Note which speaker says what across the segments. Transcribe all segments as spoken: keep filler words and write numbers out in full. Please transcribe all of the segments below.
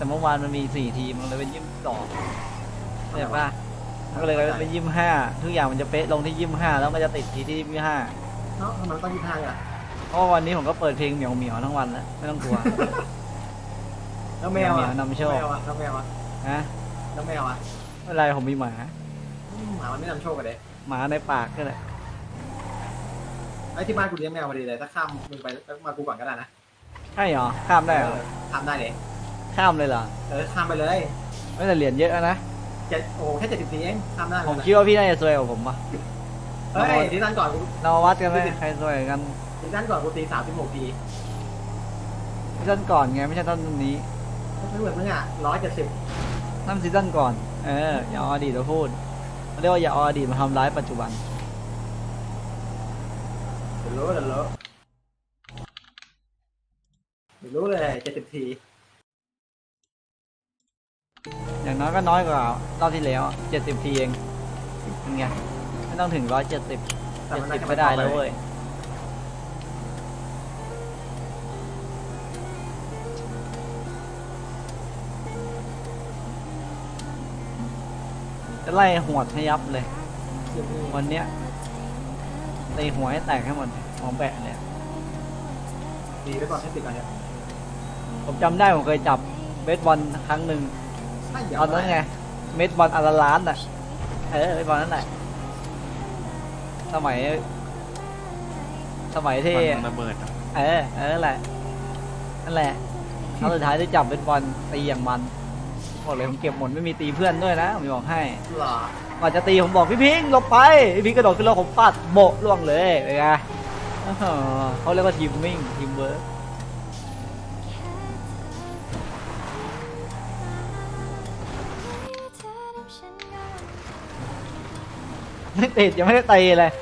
Speaker 1: แต่เมื่อวานมันมีสี่ทีมมันเลยเป็นยี่สิบสองเห็นปะมันก็เลยเป็นยี่สิบห้าทุกอย่างมันจะเป๊ะลงที่ยี่สิบห้าแล้วมันจะติดที่ที่ยี่สิบห้า
Speaker 2: เนาะทำไมต้องยี่สิบห้าอ่ะ
Speaker 1: เพราะวันนี้ผมก็เปิดเพลงเหมียวเหมียวทั้งวันแล้วไม่ต้องกลัว
Speaker 2: แล้วแมวอ่ะ
Speaker 1: นำโชค
Speaker 2: แมวอ่ะแล้วแมวอ่ะ
Speaker 1: ฮะ
Speaker 2: แล้วแมวอ่ะ
Speaker 1: ไม่ไรผมมีหมา
Speaker 2: หมามันไม่นำโชคกันเลย
Speaker 1: หมาในปากก็เลย
Speaker 2: ไอ้ที่บ้านกูเลี้ยงแมวพอดีเลยถ้าข้ามมึงไปมากูก่อนก็ได้นะ
Speaker 1: ใช่เหรอข้ามได้เหรอ
Speaker 2: ข้ามได้เลย
Speaker 1: ข้ามเลยเหรอ
Speaker 2: เออข้ามไปเลย
Speaker 1: ไม่แต่เหรียญเยอะนะ
Speaker 2: เจ็ดโอ้แค่เจ็ดสิบสี่เองข้ามได้
Speaker 1: ผมคิดว่าพี่น่าจะซวยกว่าผมป่ะ
Speaker 2: เฮ้ยที่นั่นก่อน
Speaker 1: เราวัดกันไหมใครซวยกัน
Speaker 2: ที่นั่นก่อนกูตีสามสิบหกที
Speaker 1: ซีซั่นก่อนไงไม่ใช่ต้นนี้
Speaker 2: ไม่เหมือนมึงอ่ะร้อยเจ็ดสิบ
Speaker 1: นั่นซีซั่นก่อนเอออย่าเอาอดีตมาพูดเขาเรียกว่าอย่าเอาอดีตมาทำร้ายปัจจุบัน
Speaker 2: เดี๋ยวรู้เดี๋ยวรู้เดี๋ยวรู้เลยเจ็ดสิบที
Speaker 1: อย่างน้อยก็น้อยกว่ารอบที่แล้วเจ็ดสิบทีเองเป็นไงไม่ต้องถึงร้อยเจ็ดสิบเจ็ดสิบไม่ได้แล้วเว้ยจะไล่หวดให้ยับเลยวันเนี้ยตีหัวให้แตกให้หมดหอมแบะเนี่ย
Speaker 2: ดีไปก่อนให้ติดก่อนเนี่ย
Speaker 1: ผมจำได้ผมเคยจับเบสบอลครั้งหนึ่งตอนนั้นไงเบสบอลอัลล้านอ่ะเออเบสบอลนั่นแหละสมัยสมัยที่
Speaker 3: ระเบิด
Speaker 1: เออเออแหละนั่นแหละครั้งสุดท้ายที่จับเบสบอลตีอย่างมันบอกเลยผมเก็บหมดไม่มีตีเพื่อนด้วยนะผมบอกให้ก่อนจะตีผมบอกพี่พิงหลบไปพี่พิงกระโดดขึ้นรถผมปัดโบะล่วงเลยเป็นไงเขาเรียกว่าทีมมิ่งทีมเวิร์กไม่ติดยังไม่ได้ตีเลย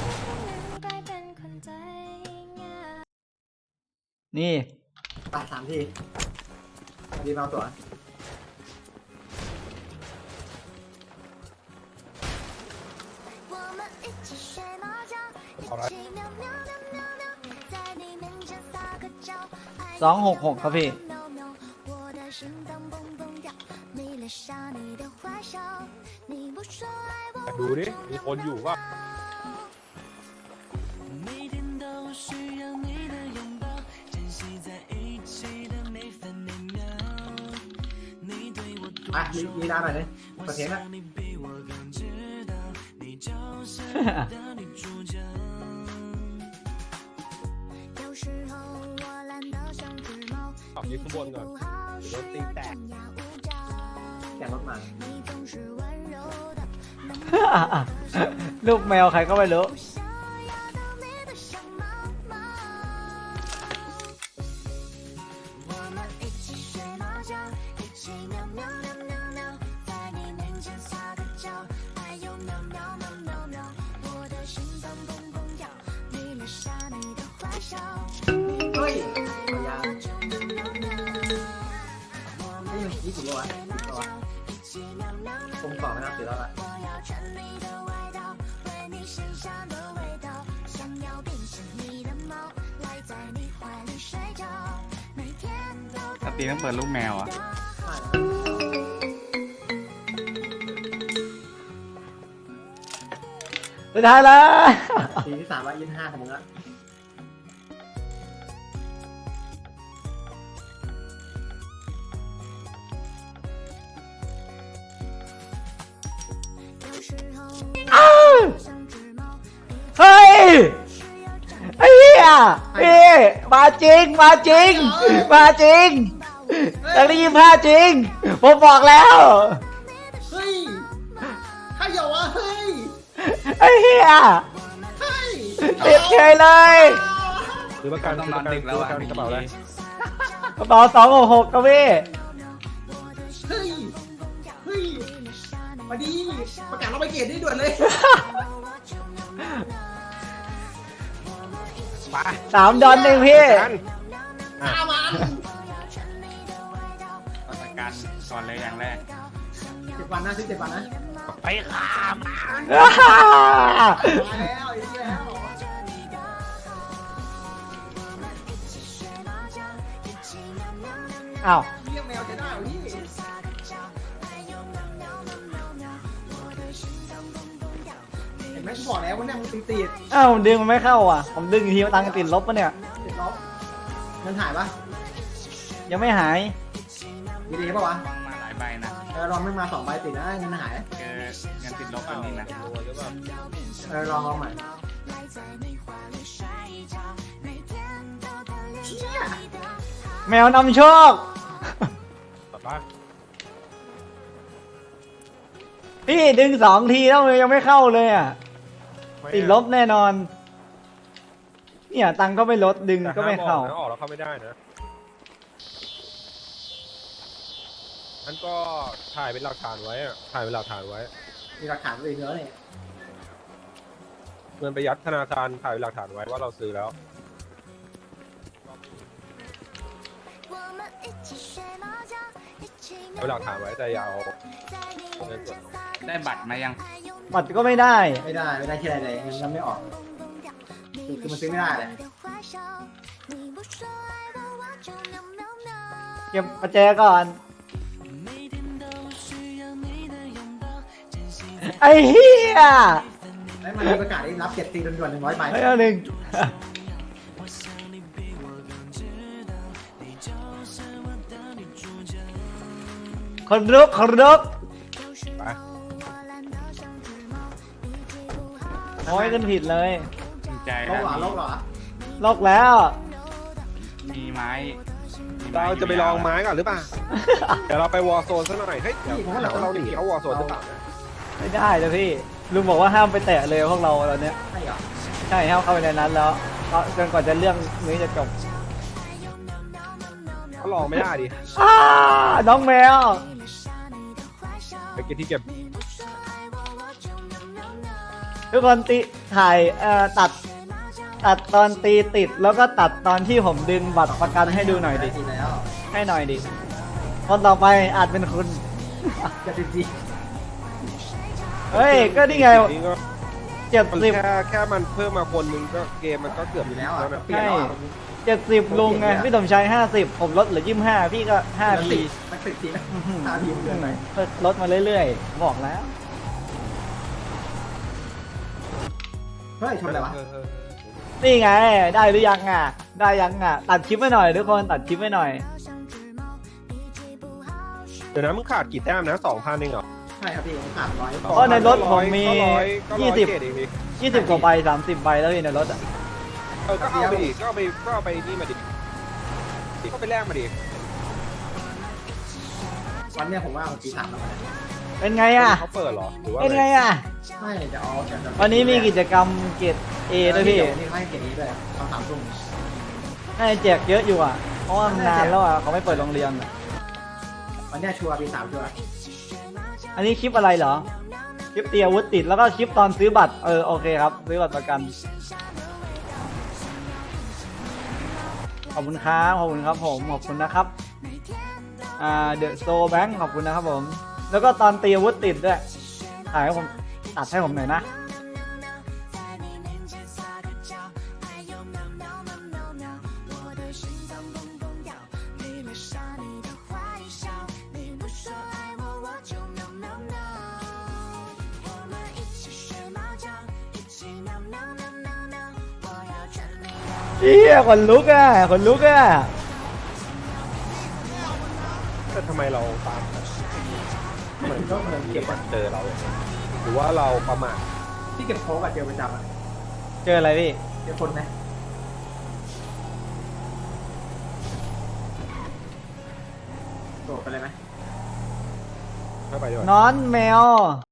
Speaker 1: นี่
Speaker 2: ปัดสามทีดีมาตัว
Speaker 1: สองหกหกครับพี่
Speaker 3: ดูดิมีคนอยู่ป่ะ
Speaker 2: อ่ะยียีนาหน่อยเลยประเทศนะ
Speaker 3: ขับยืนข้างบนก่อนเดี๋ยวตีแตก
Speaker 2: แข่งรถมา
Speaker 1: ลูกแมวใครก็ไม่รู้
Speaker 2: เฮ้ยเอายานี่มันยี่สิบโลอ่ะผมต่อไม่นับเสียแล้วล่ะ
Speaker 3: ถ้าตีต้องเปิดลูกแมวอ่ะ
Speaker 1: สุดท้ายแล้ว
Speaker 2: ทีที่สามร้อยยี่สิบห้าของมึงละ
Speaker 1: เฮ้ยไอ้เหี้ยพี่มาจริงมาจริงมาจริงตั้งแต่ยี่สิบห้าจริงผมบอกแล้ว
Speaker 2: เฮ้ยใครอย่าวะเฮ้ย
Speaker 1: ไอ้เหี้ยติดเฉยเลย
Speaker 3: คือประกันต้องนอนดึกแล้วอ่ะกระเป๋าอะไร
Speaker 1: กระเป๋าสองหกหกครับพี่
Speaker 2: เฮ้ยเฮ้ยมาดีประกาศเราไปเกียรติได้ด่วนเลย
Speaker 1: สามดอนเองพี่
Speaker 2: ข้ามัน
Speaker 3: ประกันก่อนเลยอย่างแรก
Speaker 2: เจ็ดวันนะซื้อเจ็ดวันนะ
Speaker 3: ไปข้าม
Speaker 2: มาแล้วอีกแล้ว
Speaker 1: อ้าว
Speaker 2: เลี้ยงแมวจะได้หรือกูบอกแล้วว่าเนี่ยมึงตีติด
Speaker 1: อ้าวผมดึงมันไม่เข้าอ่ะผมดึงอีกทีมันตังค์ติดลบปะเนี่ย
Speaker 2: ติดลบเงินหายปะ
Speaker 1: ยังไม่หาย
Speaker 2: ดีดีป่าวะ
Speaker 4: ลองมาหลายใบนะ
Speaker 2: เออลองไม่มาสองใบติดนะเงินหาย
Speaker 4: เจอเงินติดลบอันนี้นะ
Speaker 3: รวยหรือเปล่า
Speaker 2: เออลองลองใหม่เชี่ย
Speaker 1: แมวนำโชค
Speaker 3: แบบว่า
Speaker 1: พี่ดึงสองทีแล้วมันยังไม่เข้าเลยอ่ะติดลบแน่นอนเนี่ยตังค์ก็ไม่ลดดึง
Speaker 3: แต่
Speaker 1: ก็ไม่
Speaker 3: ห้ามอ
Speaker 1: เข้า
Speaker 3: อกนะออกแล้วเข้าไม่ได้นะนั่นก็ถ่ายเป็นหลักฐานไว้อะถ่ายเป็นหลักฐานไว้
Speaker 2: มีหลักฐานตัวเองเยอะเลย
Speaker 3: เงินไปยัดธนาคารถ่ายเป็นหลักฐานไว้ว่าเราซื้อแล้ว เอาเป็นหลักฐานไว้แต่อย่าเอาเงินสด
Speaker 4: ได้บัตรมายัง
Speaker 1: บัตรก็ไม่ได้
Speaker 2: ไม่ได้ไม่ได้ที่อะไรเลยเงินมันไม่ออกคือคือมันซื้อไม่ได้เลย
Speaker 1: เก็บประแจก่อนไอ้เหี้ย
Speaker 2: แล้วมันมีประกาศได้รับเจ็ดตีด่วนๆหนึ่งร้อยใบ
Speaker 1: ไม่เอาหนึ่งคนรุกคนรุก
Speaker 3: ไป
Speaker 1: โอ้ยกันผิดเลย
Speaker 4: ดีใจ
Speaker 2: โลกเหรอโลกเหรอ
Speaker 1: ลอกแล้ว
Speaker 4: มีไม้มีม้
Speaker 3: เราจะไปลองไม้ก่อนหรือเปล่า เดี๋ยวเราไปวอร์โซนซะหน่อย เฮ้ยเดี๋ยวเราเราหนีเขาวอร์โซนหรือเปล่านะ
Speaker 1: ไม่ได้เลยพี่ลุงบอกว่าห้ามไปแตะเลยพวกเราตอนเนี้ย
Speaker 2: ใช่เหรอ
Speaker 1: ใช่ห้ามเข้าไปในนั้นแล้วก็จนกว่าจะเรื่องนี้จะจบ
Speaker 3: เขาลองไม่ได้ดิ
Speaker 1: อ้าน้องแมว
Speaker 3: ไปเก็บที่เก็บ
Speaker 1: ทุกคนตีถ่ายเอ่อตัดตัดตอนตีติดแล้วก็ตัดตอนที่ผมดึงบัตรประกันให้ดูหน่อยดิ
Speaker 2: ตีแล้ว
Speaker 1: ให้หน่อยดิคนต่อไปอาจเป็นคุณ
Speaker 2: จะตีจี
Speaker 1: เฮ้ยก็นี่ไง
Speaker 3: นี่ก็
Speaker 1: เจ็ด
Speaker 3: มัน
Speaker 1: สิบ
Speaker 3: แค่แค่มันเพิ่มมาคนนึงก็เกมมันก็เกือบ
Speaker 2: อยู่แล้วอ่ะ
Speaker 3: นะ
Speaker 2: เปลี่ยนแล้วอ่ะ
Speaker 1: เจ็ดสิบลุงไงพี่สมชัยห้าสิบผมลดเหลือยี่สิบห้าพี่ก็ห้าพี
Speaker 2: มันติดทีนะห้าทีมันเกินไป
Speaker 1: ลดมาเรื่อยๆบอกแล้ว
Speaker 2: เฮ้ยชนอะไรวะ
Speaker 3: เออเออ
Speaker 1: นี่ไงได้หรือยังอ่ะได้ยังอ่ะตัดคลิปไว้หน่อยทุกคนตัดคลิปไว้หน่อย
Speaker 3: เดี๋ยวนะมึงขาดกี่แต้มนะสองพันเองเหรอ
Speaker 2: ใช่ครับพี่ผมขาดร้อย
Speaker 1: เพราะในรถผมมี
Speaker 3: ก็ร้อยก็ร้อ
Speaker 1: ยี่สิบ
Speaker 3: เกรดเองดิ
Speaker 1: ยี่สิบกว่าใบสามสิบใบแล้วพี่ในรถอ่ะ
Speaker 3: เออก็เอาไปดิก็เอาไปก็เอาไปนี่มาดิก็ไปแลกมาดิ
Speaker 2: วันเนี้ยผมว่าผมตีสามแล้วนะ
Speaker 1: เป็นไงอ่ะ
Speaker 3: เขาเปิดเหรอหรือว่า
Speaker 1: เป็นไงอ่ะ
Speaker 2: ใช่จะเอาจะจะ
Speaker 1: วันนี้มีกิจกรรมเกรดเอด้วยพี่
Speaker 2: นี่ให้เกียรตินี้ด้วยตอนสามทุ่ม
Speaker 1: ให้แจกเยอะอยู่อ่ะเพราะว่ามันนานแล้วอ่ะเขาไม่เปิดโรงเรียนอะ
Speaker 2: วันเนี้ยชัวร์ปีสามชัวร์
Speaker 1: อันนี้คลิปอะไรเหรอคลิปเตียวุธติดแล้วก็คลิปตอนซื้อบัตรเออโอเคครับซื้อบัตรประกันขอบคุณครับขอบคุณครับผมขอบคุณนะครับอ่าเดอะโซแบงค์ขอบคุณนะครับผมแล้วก็ตอนตีอาวุธติดด้วยถ่ายให้ผมตัดให้ผมหน่อยนะเฮียขนลุกอ่ะขนลุกอ่ะ
Speaker 3: แต่ทำไมเราตามเหมือน
Speaker 2: ก็เหมือน
Speaker 3: เก็
Speaker 2: เก็
Speaker 3: บบ
Speaker 2: อะ
Speaker 3: เจอเรา หรือว่าเราประมาท
Speaker 2: ที่เก็บโค้กอะเจอประจำอะ
Speaker 1: เจออะไรพี่
Speaker 2: เจอคนไหมโดดไปเลยไหม
Speaker 3: เข้าไปด้วย
Speaker 1: นอนแมว